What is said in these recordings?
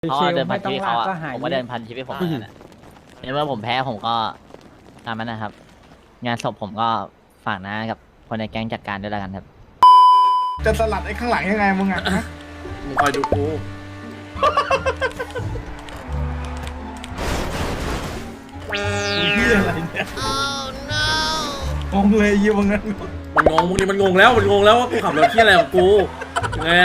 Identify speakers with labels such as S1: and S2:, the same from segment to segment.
S1: เขาเดินพันชีวิตเขาอะ
S2: ก็หาย
S1: ผมก็เดินพันชีวิตผมเหมือนกันอะในเมื่อผมแพ้ผมก็ตามนั้นนะครับ งานศพผมก็ฝากนะกับคนในแก๊งจัดการด้วยแล้วกันครับ
S3: จะสลัดไอ้ข้างหลังยังไงมึงอ่ะฮะ
S4: มึงคอยดูกู
S3: เฮียอะไรเนี่ยงงเลยยี่มึงนั้น
S4: มันงงมึงนี่มันงงแล้วว่ากูขับรถที่อะไรของกูยังไงอะ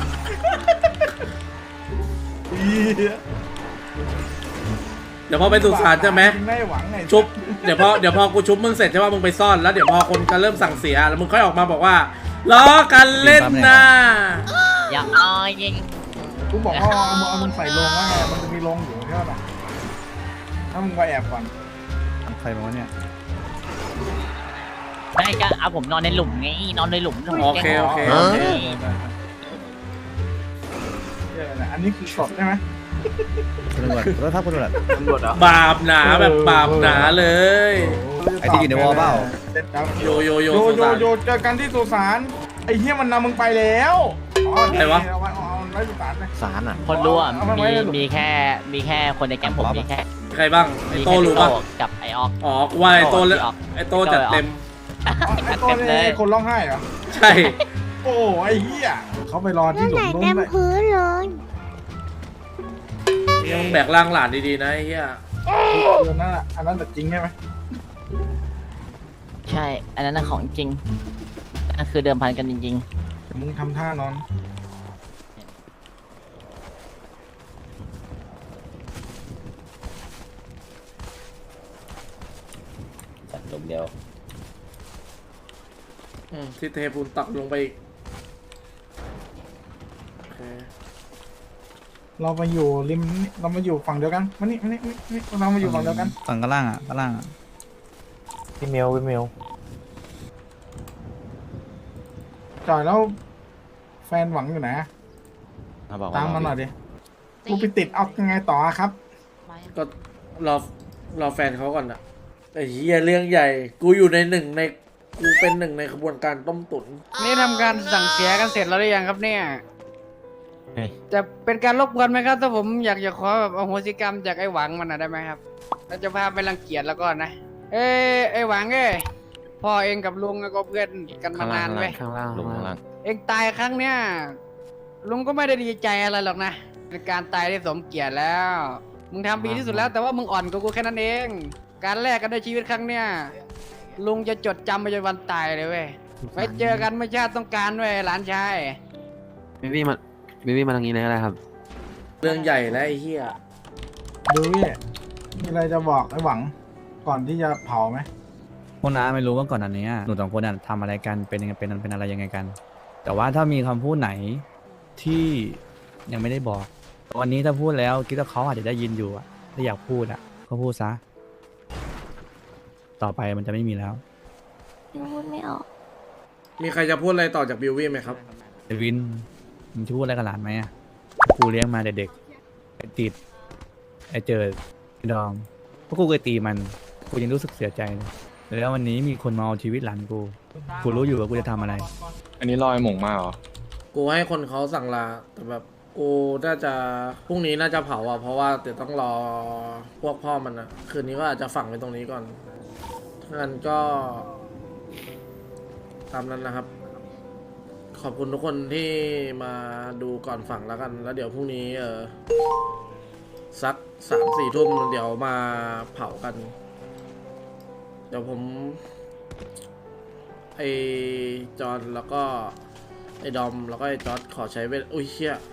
S3: เฮีย
S4: เดี๋ยวพอไปสุสานใช่ไหม
S3: ไม่หวังไง
S4: ชุบเดี๋ยวพอกูชุบมึงเสร็จใช่ป่ะมึงไปซ่อนแล้วเดี๋ยวพอคนก็เริ่มสั่งเสียแล้วมึงค่อยออกมาบอกว่าล้อกันเล่นนะ
S1: อย่าอ้อยยิง
S3: กูบอกว่าเอามึงใส่ลงว่าไงมันจะมีลงอยู่ใช่ป่ะถ้ามึงไปแอบก่อน
S2: ใครมาวะเนี่ย
S1: ไม่ก็เอาผมนอนในหลุมไงนอนในหลุม
S4: โอเค
S3: เฮียอะไรอันนี้คือสดใช่ไหม
S2: คุณตำรวจรถทับคุณตำรวจ
S4: บาปหนาแบบบาปหนาเลย
S2: ไอ้ที่อยู่ในวอลเปล่า
S4: โยโย
S3: โย
S4: สุ
S3: โย
S4: สาน
S3: โยเจอกันที่สุสานไอ้เฮียมันนำมึงไปแล้วอ๋อ
S4: อะไรวะ
S3: เอาไว้สุสานเลย
S2: สารอ่ะ
S1: คนรู้อ่ะ
S3: เอามาไว้ในหลุม
S1: มีแค่คนในแก๊งผมมีแค่
S4: ใครบ้างไอโตรู้ป่ะ
S1: กับไอออก
S4: อ๋อกูว่าไอโตแล้ว
S1: พี่ออก
S4: ไอโตจัดเต็ม
S3: อ๋อไอ้ตัวนี้คนร้องไห้เหรอ
S4: ใช่
S3: โอ้ไอ้เหี้ยเขาไปรอที่หลุมนู้น
S5: เต็ม
S3: เลย
S5: พื้นเลย
S4: ยังแบกร่างหลานดีๆนะไอ้เหี้ย
S3: อันนั้นอะอันนั้นแต่จริงใช่ไหม
S1: ใช่ อันนั้นน่ะของจริงนั่นคือเดิมพันกันจริง
S3: แต่มึงทำท่านอน
S1: ๆลมเดียว
S4: ที่เทปูนตักลงไปอีกโอเค
S3: เรามาอยู่ริมนี่เรามาอยู่ฝั่งเดียวกันมานี่เรามาอยู่ฝั่งเดียวกัน
S2: ฝั่งข้างล่างอ่ะข้างล่างอ่ะ
S6: พี่เมล
S3: จ่อยแล้วแฟนหวังอยู่ไหนอะตามมาหน่อยดิกูไปติดเอายังไงต่อครับ
S4: ก็รอแฟนเขาก่อนอะไอ้เหี้ยเรื่องใหญ่ กูอยู่ในหนึ่งในกูเป็นหนึ่งในขบวนการต้มตุ๋น
S7: นี่ทำการสั่งเสียกันเสร็จแล้วหรือยังครับเนี่ย จะเป็นการรบกวนไหมครับ ถ้าผมอยากจะขอแบบอโหสิกรรมจากไอ้หวังมันนะได้ไหมครับเราจะพาไปรังเกียจแล้วก็นะ ไอ้หวังพ่อเองกับลุงก็เพื่อนกันมานานเว้ย
S6: ข้างล่าง
S7: เองตายครั้งเนี้ยลุงก็ไม่ได้ดีใจอะไรหรอกนะเป็นการตายที่สมเกียรติแล้ว มึงทำดีที่สุดแล้วแต่ว่ามึงอ่อนกว่ากูแค่นั้นเอง การแลกกันด้วยชีวิตครั้งเนี้ยลุงจะจดจำไปจนวันตายเลยเว้ยไว้เจอกันเมื่อชาติต้องการเว้ยหลานชาย
S6: บิวี่มาทางนี้เลยก็ได้ครับ
S4: เรื่องใหญ่แล้วไอ้เหี้ย
S3: ดูนี่มีอะไรจะบอกไอ้หวังก่อนที่จะเผาไหม
S2: พวกน้าไม่รู้ว่าก่อนอันเนี้ยหนูสองคนอ่ะทำอะไรกันเป็นยังไงเป็นอะไรยังไงกัน แต่ว่าถ้ามีคำพูดไหนที่ยังไม่ได้บอก วันนี้ถ้าพูดแล้วคิดว่าเขาอาจจะได้ยินอยู่อ่ะถ้าอยากพูดอ่ะก็พูดซะต่อไปมันจะไม่มีแล้ว
S5: ยังพูดไม่ออก
S4: มีใครจะพูดอะไรต่อจากบิววี่ไหมครับ
S2: ไอ้วินมึงจะพูดอะไรกับหลานไหมอ่ะกูเลี้ยงมาเด็กๆไอ้ติดไอ้เจอไอ้ดอมพวกกูเคยตีมันกูยังรู้สึกเสียใจเลยแล้ววันนี้มีคนมาเอาชีวิตหลานกูรู้อยู่ว่ากูจะทำอะไร
S8: อันนี้รอยหม่งมาเหรอ
S4: กูให้คนเขาสั่งลาแต่แบบกูน่าจะพรุ่งนี้น่าจะเผาอ่ะเพราะว่าเดี๋ยวต้องรอพวกพ่อมันนะคืนนี้ก็อาจจะฝังไว้ตรงนี้ก่อนงั้นก็ตามนั้นนะครับ ขอบคุณทุกคนที่มาดูก่อนฝังแล้วกัน แล้วเดี๋ยวพรุ่งนี้สัก3-4 ทุ่มเดี๋ยวมาเผากัน เดี๋ยวผมไอจอนแล้วก็ไอ้ดอมแล้วก็ไอ้จอร์ดขอใช้เวลอุ้ยเชี่ย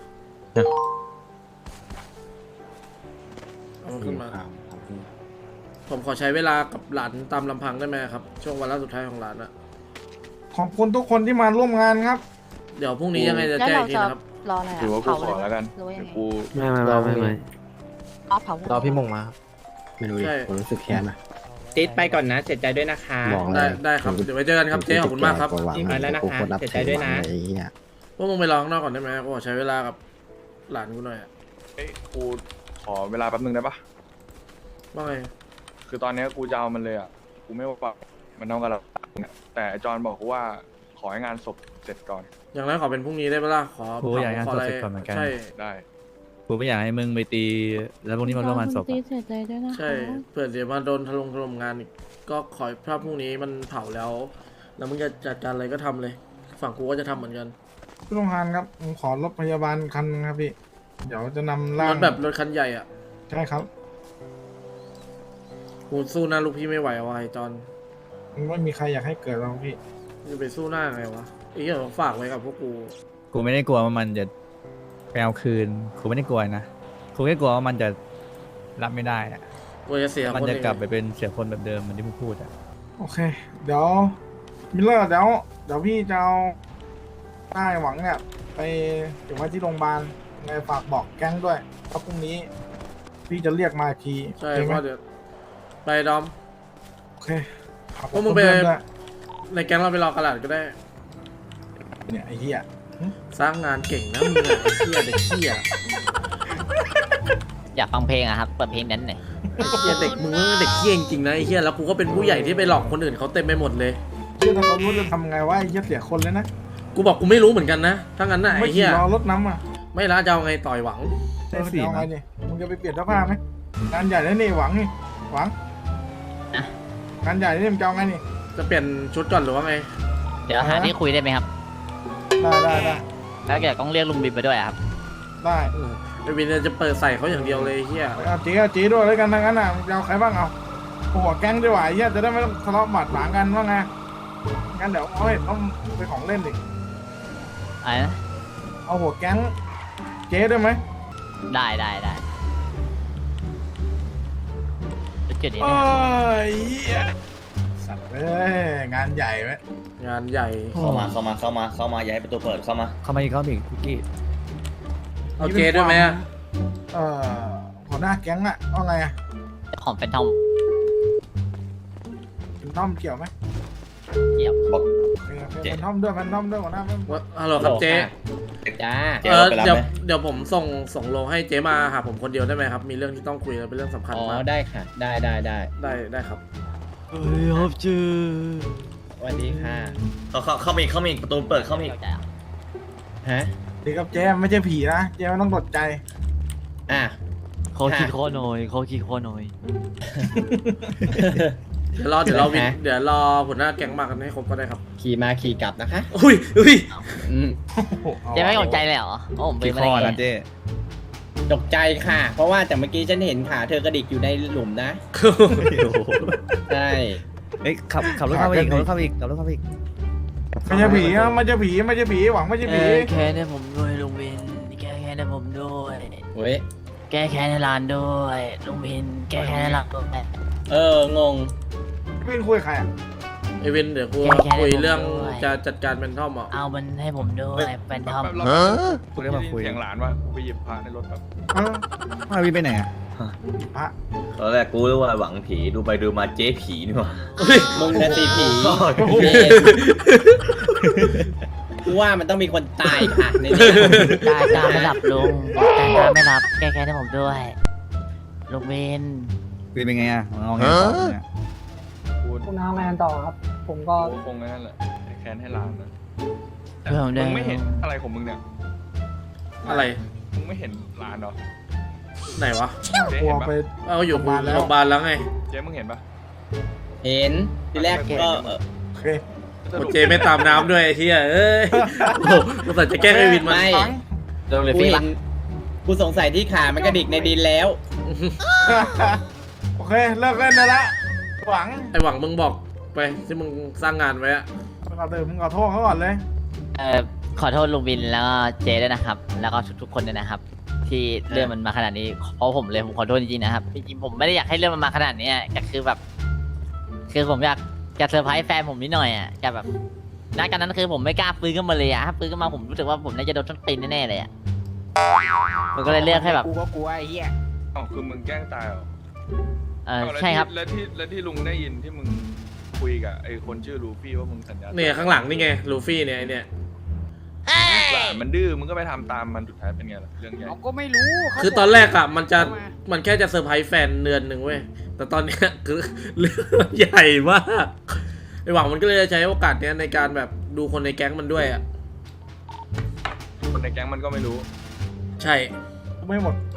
S4: เอามันขึ้นมา ผมขอใช้เวลากับหลานตามลำพังได้ไหมครับ ช่วงวันล่าสุดท้ายของหลานอะ
S3: ขอบคุณทุกคนที่มาร่วมงานครับ
S4: เดี๋ยวพรุ่งนี้ยังไงจะ
S5: แล้ว
S4: แจ้ง
S5: เรา
S4: อีกที
S5: จะ
S4: นะครับ
S5: รออะไร
S8: ถือ
S5: อ่ะ
S8: ว่ากู
S5: เผา
S8: ขอแล้วกัน
S5: หรือว่ายัง
S8: เดี๋ยว
S5: ไง
S8: กู
S6: ไม่
S5: อ๋อเผาร
S6: อพี่มงมาครับ
S9: ไม่รู้ดิ
S4: ใช่
S9: ผมรู้สึกแค้นนะ
S10: ติ๊ดไปก่อนนะเสียใจด้วยนะคะ
S9: บอกเล
S4: ได้
S9: ย
S4: ได้ครับเดี๋ยวไว้เจอกันครับเจ๊ขอบคุณมากครับ
S9: หวัง
S10: ไปแล้วนะคะ
S9: กูโตรนับ
S10: เสียใจ
S9: ถือ
S10: ด้วย
S9: หวั
S10: นะ
S9: งเลยไอ้เหี้ย
S4: พวกมึงไปร้องนอกก่อนได้ไหมกูขอใช้เวลากับหลานกูหน่อยอะ
S8: เอ้ยกูขอเวลาแป๊บนึงได้ปะ
S4: ว่าไง
S8: คือตอนเนี้ยกูจะเอามันเลยอ่ะ กูไม่ว่ามันน้องกับเราเนี่ยแต่ไอ้จอนบอกกูว่าขอให้งานศพเสร็จก่อน
S4: อย่างไรขอเป็นพรุ่งนี้ได้ปะล่ะขอ
S2: โอ้ยอยากให้งานศพเสร็จก่อนเหมือนกัน
S4: ใช่
S8: ได้
S2: กูไม่อยากให้มึงไปตี แล้วพวกนี้มาร่วมงานศพ
S5: ตี
S2: อะ
S5: เสียใจด้วยนะคะ
S4: ใช่เผื่อเดี๋ยวมาโดนถล่มงานอีกก็ขอถ้าพรุ่งนี้มันเผาแล้ว แล้วมึงจะจัดการอะไรก็ทำเลย ฝั่งกูก็จะทำเหมือนกัน
S3: พี่ต้องทานครับผมขอรถพยาบาลคันนึงครับพี่ เดี๋ยวจะนำร่าร ง
S4: ถแบบรถคันใหญ่อ่ะ
S3: ใช่ครับ
S4: กูสู้หน้าลูกพี่ไม่ไหวว่ะไอ้จอน
S3: ไม่มีใครอยากให้เกิดหรอกพี่
S4: จะไปสู้หน้าไงวะไอ้เหี้ยฝากไว้กับพวกกู
S2: กูไม่ได้กลัวว่ามันจะไปเอาคืน กูไม่ได้กลัวนะ กูแค่กลัวว่ามันจะรับไม่ได้อะ
S4: กูจะเสีย
S2: มัน
S4: คน
S2: จะ
S4: เอง
S2: กลับไปเป็นเสียคนแบบเดิมเหมือนที่มึงพูดอะ
S3: โอเค เดี๋ยวมิลเลอร์เดี๋ยวพี่จะเอาได้หวังเนี่ย ไปเก็บไว้ที่โรงพยาบาลไงฝากบอกแก๊งด้วยเพราะพรุ่งนี้ พี่จะเรียกมาอีกที
S4: ใช่
S3: โอเค
S4: เพ
S3: ไหม
S4: ราะเดี๋ยวไปดอม
S3: โอเคขอบ
S4: พวกมึงไป
S3: เพื่อนด้วย
S4: ในแก๊งเราไปรอกระดาษก็ได้
S3: เนี่ยไอ้เหี้ย
S4: สร้างงานเก่งนะมึงอะไอ้เหี้ยเด็กเหี้ย
S1: อยากฟังเพลงอะครับเปิดเพลงนั้นหน่อย
S4: ไอ้เหี้ยเด็กมึงเด็กเหี้ยจริงๆนะไอ้เหี้ยแล้วกูก็เป็นผู้ใหญ่ที่ไปหลอกคนอื่นเขาเต็มไปหมดเลย
S3: เชื่อถ้าเขารู้จะทำไงวะไอ้เหี้ยเสียคนเลยนะ
S4: กูบอกกูไม่รู้เหมือนกันนะถ้างั้นน่ะ
S3: ไม่
S4: ไอ้
S3: ขี่
S4: เหี้ย
S3: รอรถน้ำอ่ะ
S4: ไม่ละจะเอาไงต่อยหวัง
S2: ได้สี่
S3: เอาไง
S2: มั้ย
S3: เนี่ยมึงจะไปเปลี่ยนเสื้อผ้าไหมงานใหญ่แล้วนี่หวังนี่หวังงานใหญ่นี่มึงจะเอาไงนี่
S4: จะเปลี่ยนชุดก่อนหรือว่าไง
S1: เดี๋ยวหาที่คุยได้ไหมครับ
S3: ได้
S1: แล้วเดี๋ยวต้องเรียกลุงบินไปด้วยอะครับ
S3: ได้
S4: ไอ้วินจะเปิดใส่เขาอย่างเดียวเลยไอ้เหี้ย
S3: เอาจีด้วยแล้วกันทั้งนั้นอ่ะมึงจะเอาใครบ้างเอาหัวแก๊งดีกว่าไอ้เหี้ยจะได้ไม่ต้องทะเลาะบาดหมางกันว่าไงงั้นเดี๋ยวเอาให้ต้องไปของเล่นดิ
S1: อะไรนะ
S3: เอาหัวแก๊งเจ๊ด้วยไหม
S1: ได้จุดนี้
S3: โอ้
S1: นะ
S3: ยเหี้ยสัตว์เอ้ยงานใหญ่ไหม
S4: งานใหญ่
S9: เข้ามาอย่าให้ประตูเปิดเข้ามา
S2: เข้ามาอีกคุกกี้
S4: เอาเจด้วยไหมอะ
S3: หัวหน้าแก๊งอ่ะว่าไงอ่ะ
S1: ของเป็นทอม
S3: เป็นท่อมเกี่ยวไหม
S1: เกี่ยว
S9: บอก
S3: เป็นท่อมด้วยหัวหน้าเป็น
S4: ฮัลโหลครับเจ
S10: จ้า
S9: เจ๊เราไปรับ
S4: เดี๋ยว
S9: ไหม
S4: เดี๋ยวผมส่งโลให้เจมาหาผมคนเดียวได้ไหมครับ มีเรื่องที่ต้องคุยแล้วเป็นเรื่องสำคัญ
S10: อ๋อ
S4: มาก
S10: ได้ค่ะ ได้
S4: ได้ครับ
S10: สวัสดีค่ะ
S9: เข้ามาอีกประตูเปิดเข้ามาอีก
S1: เข้าใจอ่ะ
S10: ฮะ
S3: ดีครับเจ๊ไม่ใช่ผีนะเจ๊ไม่ต้องตกใจ
S10: อ่ะ
S1: เขาขี้โคหน่อยเขาขี้โคหน่อย
S4: เดี๋ยวรอวินเดี๋ยวรอหัวหน้าแก๊งมากันให้ครบก็ได้ครับ
S10: ขี่มาขี่กลับนะคะ
S4: อุ้ย
S10: อืม
S1: เจ๊ไม่ตกใจเลยเหรอโอ้ผมเป็น
S2: กี่
S1: มา
S2: ข้อ
S1: ได้ไง
S2: นะเจ้
S10: ตกใจค่ะ เพราะว่าแต่เมื่อกี้ฉันเห็นขาเธอกระดิกอยู่ในหลุมนะ ใช่
S2: เอ้ยขับรถเข้ามาอีกขับรถเข้ามาอีก
S3: ไม่ใช่ผีนะไม่ใช่ผีหวังไม่ใช่ผี
S1: แค่ให้ผมด้วยลุงบินแก้แค้นให้ผมด้วย
S10: เว้ย
S1: แก้แค้นให้ร้านด้วยลุงบินแก้แค้นให้ร้านด้วย
S10: งง
S3: พี่คุยกับใครอ่ะ
S4: ไอวินเดี๋ยวกูคุยเรื่องจะจัดการเป็นท่อมอ่ะ
S1: เอามันให้ผมด้วยเป็นทอม
S2: กูได้มาคุย
S8: เสียงหลานว่ากูไปหยิบพระในรถแบบ
S2: มาวินไปไหนอะ
S3: พระ
S9: ตอนแรกกูรู้ว่าหวังผีดูไปดูมาเจ๊ผีนี่หว่า
S10: มึงนะสิผีกูว่ามันต้องมีคนตายค่ะในนี้
S1: ตายตาไม่หลับลุงตายตาไม่หลับแก้แค้นให้ผมด้วยลุงบิน
S2: วินเป็นไงอะเอาไงต่อเนี่ย
S8: คุณน้าแมนต่อครับ ผมก็คงนั่นแหละแค้นให้หลานนะ
S1: เพื่อนผมด้วย
S8: มึงไม่เห็นอะไรของมึงเนี่ย
S4: อะไร
S8: มึงไม่เห็นหลานเหรอ
S4: ไหนวะ
S8: เจ๊
S3: กลัว
S8: เห็นปะ
S3: ไป
S4: เอาอยู่
S3: โรงพยาบาลแล้ว
S4: โรงพยาบาลแล้วไง
S8: เจ๊มึงเห็นปะ
S10: เห็น ทีแรกก็
S3: โอเค
S4: โอเจไม่ตามน้ำด้วยไอ้เหี้ยเอ้ยโอ้โหกูใส่จะแกล้งไอวินมัน
S10: ไม่
S1: เรื่องเลย
S10: กู
S1: พี่
S10: เห็
S1: ปะ
S10: นกูสงสัยที่ขามันกระดิกในดินแล้ว
S3: โอเคเลิกเล่นได้ละหวัง
S4: ไอหวังมึงบอกไปที่มึงสร้างงานไว้อะ
S3: มึงขอโทษเขาก่อนเลย
S1: ขอโทษลุงบินแล้วก็เจด้วยนะครับ แล้วก็ทุกๆคนด้วยนะครับ ที่เรื่องมันมาขนาดนี้เพราะผมเลยผมขอโทษจริงๆนะครับจริงๆผมไม่ได้อยากให้เรื่องมันมาขนาดนี้แต่คือแบบ คือผมอยากจะเซอร์ไพรส์แฟนผมนิดหน่อยอ่ะจะแบบณการนั้นคือผมไม่กล้าฟื้นขึ้นมาเลยอ่ะถ้าฟื้นขึ้นมาผมรู้สึกว่าผมน่าจะโดนต้นตีนแน่ๆเลยอ่ะผมก็เลยเลือกให้แบบ
S7: กูก็กลัวไอ้เหี้ย
S8: อ๋อคือมึงแกล้งตายเหรอ
S1: ใช่ครับ
S8: แล้วที่ลุงได้ยินที่มึงคุยกับไอ้คนชื่อลูฟี่ว่ามึงสัญญา
S4: เนี่ยข้างหลังนี่ไงลูฟี่เนี่ยไอเนี่ย
S8: หลานมันดื้อมึงก็ไปทำตามมันสุดท้ายเป็นไงล่ะเรื่องใหญ่
S7: เราก็ไม่รู้เขา
S4: คือตอนแรกอะมันจะ
S7: เข้ามา
S4: มันแค่จะเซอร์ไพรส์แฟนเดือนหนึ่งเว้ยแต่ตอนเนี้ยคือเรื่องมันใหญ่มากไอหวังมันก็เลยจะใช้โอกาสเนี้ยในการแบบดูคนในแก๊งมันด้วยอะ
S8: คนในแก๊งมันก็ไม่รู้
S4: ใช่
S3: ไม่หมด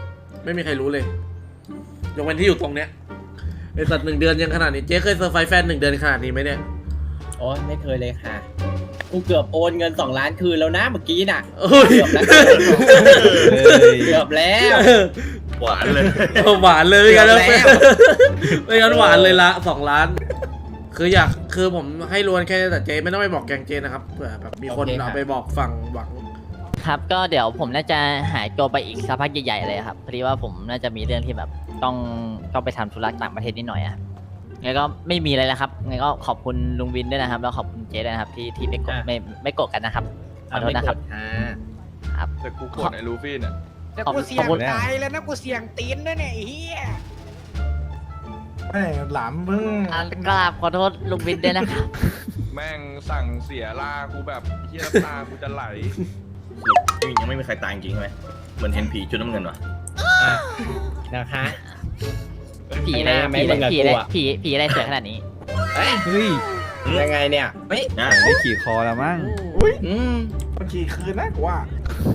S4: ไม่มีใครรู้เลยยกเว้นที่อยู่ตรงเนี้ยไอสัตว์1 เดือนยังขนาดนี้เจ๊เคยเซอร์ไพรส์แฟน1 เดือนขนาดนี้ไหมเนี่ย
S10: โอ้ยไม่เคยเลยค่ะ กูเกือบโอนเงิน2 ล้านคืนแล้วนะเมื่อกี้น่ะ
S4: เอ้ย
S10: เกือบแล้ว
S9: หวานเลย
S4: หวานเลยไม่งั้น
S10: เกือบแล้ว
S4: ไม่งั้นหวานเลยละ2 ล้าน คือผมให้รวนแค่แต่เจ๊ไม่ต้องไปบอกแกงเจ๊นะครับเผื่อแบบมีคนเอาไปบอกฝั่งหวัง
S1: ครับก็เดี๋ยวผมน่าจะหายตัวไปอีกสักพักใหญ่ๆเลยครับพอดีว่าผมน่าจะมีเรื่องที่แบบต้องไปทำธุระต่างประเทศนิดหน่อยอะงั้นก็ไม่มีอะไรแล้วครับงั้นก็ขอบคุณลุงวินด้วยนะครับแล้วขอบคุณเจ๊ด้วยนะครับที่ไม่โกรธไม่โกรธกันนะครับขอโทษนะครับ ครับ
S8: แต่กูโกรธไอ้ลูฟี่เนี่ย
S7: แต่กูเสี่ยงตายแล้วนะกูเสี่ยงตีนด้วยเนี่ยไอ้เหี้ย
S3: ไม่หลามเพิ่ง
S1: กราบขอโทษลุงวินด้วยนะครับ
S8: แม่งสั่งเสียลากูแบบเฮียน้ำตากูจะไหล
S9: สรุปยังไม่มีใครตายจริงใช่ไหมเหมือนเห็นผีชุดน้ำเงินวะ
S10: นะคะ
S1: ผีอะไร
S10: ไม่
S1: ผีอะไร
S10: ไม่
S1: ผีอะไร
S10: กลัว
S1: ผีอะไรเสือขนาดนี้
S2: เฮ้ย
S10: ยังไงเนี่ยเฮ้ย
S9: นะ
S2: ได้ขี่คอแล้วมั้ง
S10: อืม
S3: บางทีคืนนะกูว่า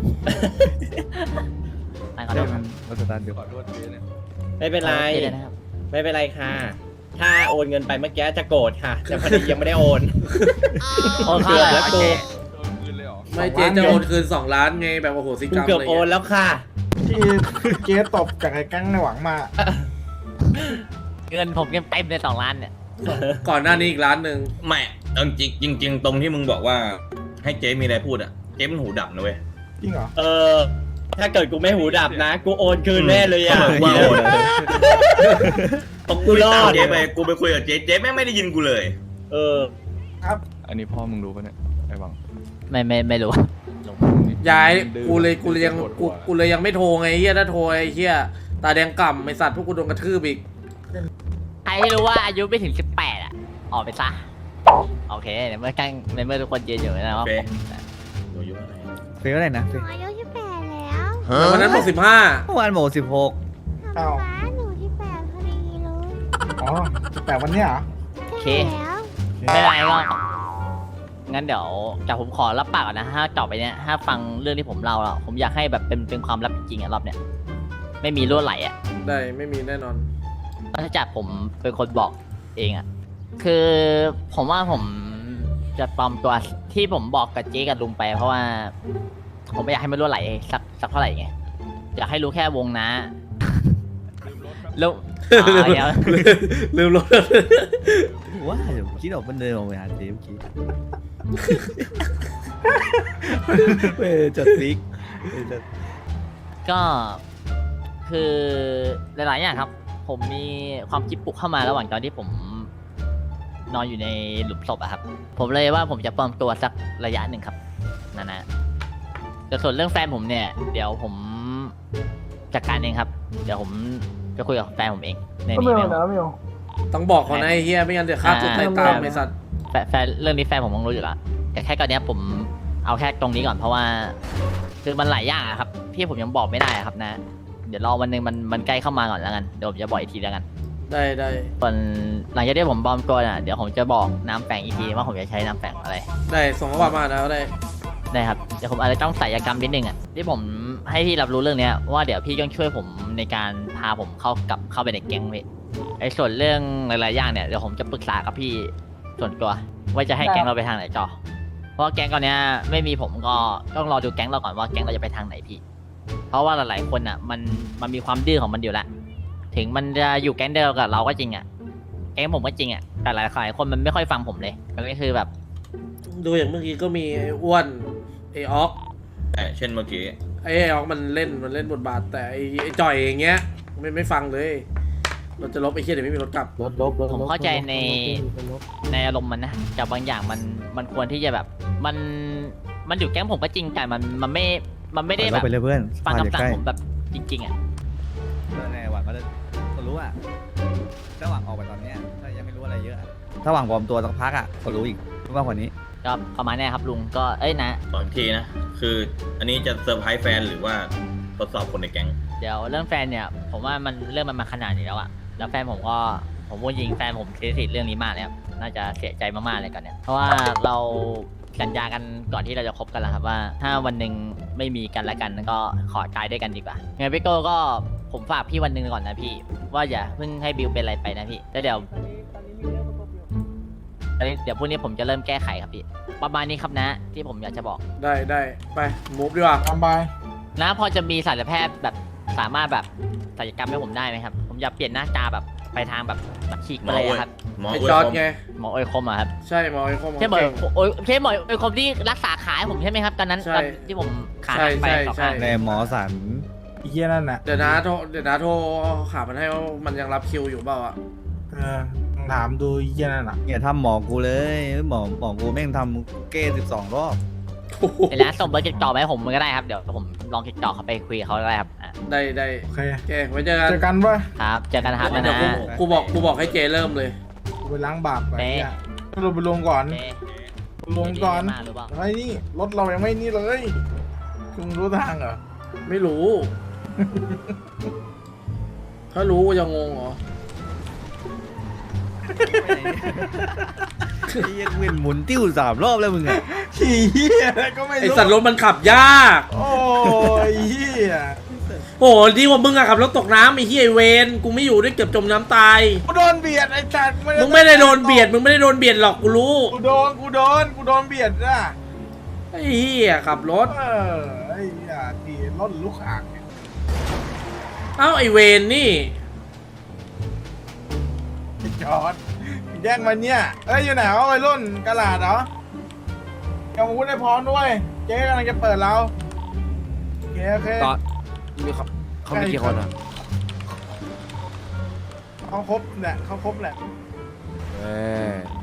S1: ขอโท
S2: เดี๋ย
S1: ษ
S2: ว
S1: ค
S2: มั
S1: รับ
S2: นรถสตาร์ทเดี๋ยว
S8: ขอโทษเจ๊เนี่ย
S10: ไม่เป็นไร
S1: เจ๊ด้วยนะครับ
S10: ไม่เป็นไรค่ะ ถ้าโอนเงินไปเมื่อกี้จะโกรธค่ะแต่พอดียังไม่ได้โอน
S1: โอนเข้าเลยเหรอ
S10: เกือบแล้วกู
S1: เจ๊
S8: โดนคืนเลยเหรอ
S4: ไม่เจ๊จะโอนคืน2 ล้านไงแบบโอ้โหสิก
S10: กู
S4: รรม
S10: เกือบ
S4: อะไร
S10: โอน
S4: เงี้ย
S10: แล้วค่ะ
S3: ที่เจ๊ตบจากไอ้แก๊งในหวังมา
S1: เงินผมยังเต็มเลย2 ล้านเนี่ย
S4: ก่อนหน้านี้อีก1 ล้าน
S9: ไม่เอาจริงตรงที่มึงบอกว่าให้เจ๊มีอะไรพูดอ่ะเจ๊มันหูดับนะเว้ย
S3: จริงเหรอ
S10: เออ ถ้าเกิดกูไม่หูดับนะ กูโอนคืนแน่เลยอ่ะ
S9: เขาบอกว่าโอนพอกู
S10: รอด
S9: ตามเจ๊ไปกูไปคุยกับเจ๊เจ๊แม่งไม่ได้ยินกูเลย
S10: เออ
S8: อันนี้พ่อมึงรู้ปะเนี่ยไอ้หวัง
S1: ไม่รู้
S4: ยายกูเลยยังไม่โทรไงเฮียถ้าโทรไอ้เฮียตาแดงก่ำไอสัตว์พวกกูโดนกระทืบอีก
S1: ใครที่รู้ว่าอายุไม่ถึง18อ่ะออกไปซะโอเคในเมื่อทุกคนยืนอยู่นะว่า
S9: เฟ
S1: ผม
S9: หนูอายุอะไร
S2: เฟซอะไรนะเฟซ
S5: อายุ18แล้ว
S4: แต่วันนั้นบอก
S2: เมื่อวานโม16
S3: อ้าว
S5: ป้าหนู18พอดีเลย
S3: อ๋อแต่วันเนี้ยเหรอ
S1: โอเค
S5: แล้ว
S1: ไม่เป็นไรก็งั้นเดี๋ยวจากผมขอรับปากก่อนนะถ้าต่อไปเนี้ยถ้าฟังเรื่องที่ผมเล่าแล้วผมอยากให้แบบเป็นความลับจริงๆอ่ะรอบเนี้ยไม่มีรั่วไหลอ่ะ
S4: 15ได้ไม่มีแน่นอน
S1: ถ้าจากผมเป็นคนบอกเองอ่ะคือผมว่าผมจะปลอมตัวที่ผมบอกกับเจ๊กับลุงไป เพราะว่า ผมไม่อยากให้มันรั่วไหลสักเท่าไหร่ไงอยากให้รู้แค่วงนะลุงเดี๋ยว
S4: ลืมรถ
S2: ว้าเดี๋ยวคิดออกมันเดินออกไปหาเจ๊เมื่อกี้เว้ยจดซิกจด
S1: ก็คือหลายๆอย่างครับ ผมมีความคิดปลุกเข้ามาระหว่างตอนที่ผมนอนอยู่ในหลุมศพอะครับ ผมเลยว่าผมจะปลอมตัวสักระยะหนึ่งครับนั่นนะแต่ส่วนเรื่องแฟนผมเนี่ย เดี๋ยวผมจัดการเองครับ เดี๋ยวผมจะคุยกับแฟนผมเองในนี้ไม่เอา
S4: ต้องบอกเขานะไอ้เฮียไม่งั้นเดี๋ยวฆ่าตัวตายตามไอสัตว์
S1: แฟนเรื่องนี้แฟนผมต้องรู้อยู่แล้วแต่แค่ตอนเนี้ยผมเอาแค่ตรงนี้ก่อนเพราะว่า คือมันหลายอย่างอะครับพี่ผมยังบอกไม่ได้อะครับนะ เดี๋ยวรอวันหนึ่งมันใกล้เข้ามาก่อนแล้วกันเดี๋ยวผมจะบอกอีกทีแล้วกัน
S4: ได้
S1: ส่วนหลังจากที่ผมปลอมตัวน่ะเดี๋ยวผมจะบอกน้ำแฝงอีกทีว่าผมจะใช้น้ำแฝงอะไร
S4: ได้ส่งข้อความมาแล้วได้
S1: ได้ครับเดี๋ยวผมอาจจะต้องศัลยกรรมนิดนึงอ่ะที่ผมให้พี่รับรู้เรื่องเนี้ยว่าเดี๋ยวพี่ต้องช่วยผมในการพาผมเข้าไปในแก๊งเว้ยไอ้ส่วนเรื่องหลายๆอย่างเนี่ยเดี๋ยวผมจะปรึกษากับพี่ส่วนตัวว่าจะให้แก๊งเราไปทางไหนจอเพราะว่าแก๊งตอนเนี้ยไม่มีผมก็ต้องรอดูแก๊งเราก่อนว่าแก๊งเราจะไปทางไหนพี่เพราะว่าหลายๆคนอ่ะมันมีความดื้อของมันอยู่แล้วถึงมันจะอยู่แก๊งเดียวกับเราก็จริงอ่ะแก๊งผมก็จริงอ่ะแต่หลายๆคนมันไม่ค่อยฟังผมเลยก็คือแบบ
S4: ดูอย่างเมื่อกี้ก็มีไอ้อ้วนไอ้ออก
S9: เช่นเมื่อกี้
S4: ไอ้ออกมันเล่นบทบาทแต่ไอ้จ่อยอย่างเงี้ยไม่ฟังเลยเราจะลบไอ้เฮียเดี๋ยวไม่มีรถกลับ
S1: ผมเข้าใจในอารมณ์มันนะแต่บางอย่างมันควรที่จะแบบมันอยู่แก๊งผมก็จริงแต่มันไม่ได้แบ
S2: เรา
S1: บ
S2: ไปเลยเพื่อน
S1: ฟัง
S2: อย่า
S1: คำสั่ง
S2: ใกล้
S1: ผมแบบจริงๆอ่ะ
S2: ในหวังก็จะรู้อ่ะถ้าหวังออกไปตอนเนี้ยถ้ายังไม่รู้อะไรเยอะอะถ้าหวังปลอมตัวสักพักอ่ะก็รู้อีกมากกว่านี้
S1: ก็ประมาณเนี้ยครับลุงก็นะ
S9: ตอนทีนะ คืออันนี้จะเซอร์ไพรส์แฟนหรือว่าทดสอบคนในแก๊ง
S1: เดี๋ยวเรื่องแฟนเนี่ยผมว่าเรื่องมันมาขนาดนี้แล้วอะแล้วแฟนผมพูดจริงแฟนผมเสียสิทธิ์เรื่องนี้มากเลยครับน่าจะเสียใจมากๆเลยก่อนเนี่ยเพราะว่าเราสัญญากันก่อนที่เราจะคบกันแล้วครับว่า ถ้าวันหนึ่งไม่มีกันและกันก็ขอตายด้วยกันดีกว่าไงพี่โก้ก็ผมฝากพี่วันหนึ่งก่อนนะพี่ ว่าอย่าเพิ่งให้บิวเป็นอะไรไปนะพี่แล้วเดี๋ยวพรุ่งนี้ผมจะเริ่มแก้ไขครับพี่ ประมาณนี้ครับนะ ที่ผมอยากจะบอก
S4: ได้ไปมูฟดีกว่า
S3: ตามไป
S1: นะพอจะมีศัลยแพทย์แบบสามารถแบบศัลยกรรมให้ผมได้ไหมครับ ผมอยากเปลี่ยนหน้าตาแบบไปทางแบบฉีก
S9: หม
S1: มา
S9: อ
S1: เลย
S9: โอย
S1: อะครับ
S9: หมอ
S4: ไอ้
S9: โอย
S4: จอร์ด
S9: คม
S4: ไง
S1: หมอโอยคมอะครับ
S4: ใช่หมอไอ้คม
S1: ใช่หมอ
S4: เก่ง
S1: โอยใช่หมอโอยคมที่รักษาขาให้ผมใช่ไหมครับตอนนั้น
S4: ใช่
S1: ตอนที่ผมขา
S4: ใช่
S1: หักไป
S4: ใช่
S1: สอง
S4: ใช่
S1: ข้าง
S2: ในหมอสัน
S3: ไอ้เหี้ยนั่นน่ะ
S4: เดี๋ยวนะโทรขามันให้ว่ามันยังรับคิวอยู่เปล่าอ่ะ
S3: ลองถามดูไอ้เหี้ยนั่นน่ะ
S2: เนี่ยทำหมอกูเลยหมอกูแม่งทำเก้12 รอบ
S1: เดี๋ยวนะส่งเบอร์ติดต่อมาให้ผมก็ได้ครับเดี๋ยวผมลองติดต่อเขาไปคุยกับเขาก็ได้ครับอ่ะ
S4: ได้
S3: โอเค
S4: โอเคไว้เจอกัน
S3: เจอกันป่ะ
S1: ครับเจอกันนะครับนะ
S4: เดี๋ยว
S1: นะ
S4: กูบอกให้เจเริ่มเลย
S3: กูไปล้างบาปไป
S1: เป๊ะ
S3: เนี่ยเราไปลงก่อน
S1: โอเค
S3: ลงก่อน
S1: มาหรือเปล่า
S3: ไอ้นี่รถเรายังไม่นี่เลยคุณรู้ทางเหรอ
S4: ไม่รู้ ถ้ารู้กูจะงงเหรอ
S2: ไอ้เหี้ยเวียนหมุนติ้ว3 รอบแล้วมึงอะ
S3: ขี่เหี้ยอะไรก็ไม่
S4: ไอ
S3: รู้
S4: สัตว์รถมันขับยาก
S3: โอ้ยเหี้ย
S4: โอ้โหดีกว่ามึงอะขับรถตกน้ำไอ้เหี้ยไอ้เวนกูไม่อยู่ด้วยเกือบจมน้ำตาย
S3: กูโดนเบียดไอ้สัตว์
S4: มึงไม่ได้โดนเบียด มึงไม่ได้โดนเบียดหรอกกูรู้
S3: กูโดนเบียดนะ
S4: ไอ้เหี้ยขับรถ
S3: ไอ้เหี้ยขี่รถลูกอ่างเนี่ย
S4: เอ้าไอเวนนี่
S3: ไอ้จอดแย่งมันเนี่ยเอ้ยอยู่ไหนวะวัยรุ่นกะลาดเหรอยังอาวุธให้พร้อมด้วยเจ๊กำลังจะเปิดเราโอเค
S6: ตอนมีเขามีกี่คนอ่ะ
S3: เขาครบแหละเขาครบแหละ
S6: เอ้ย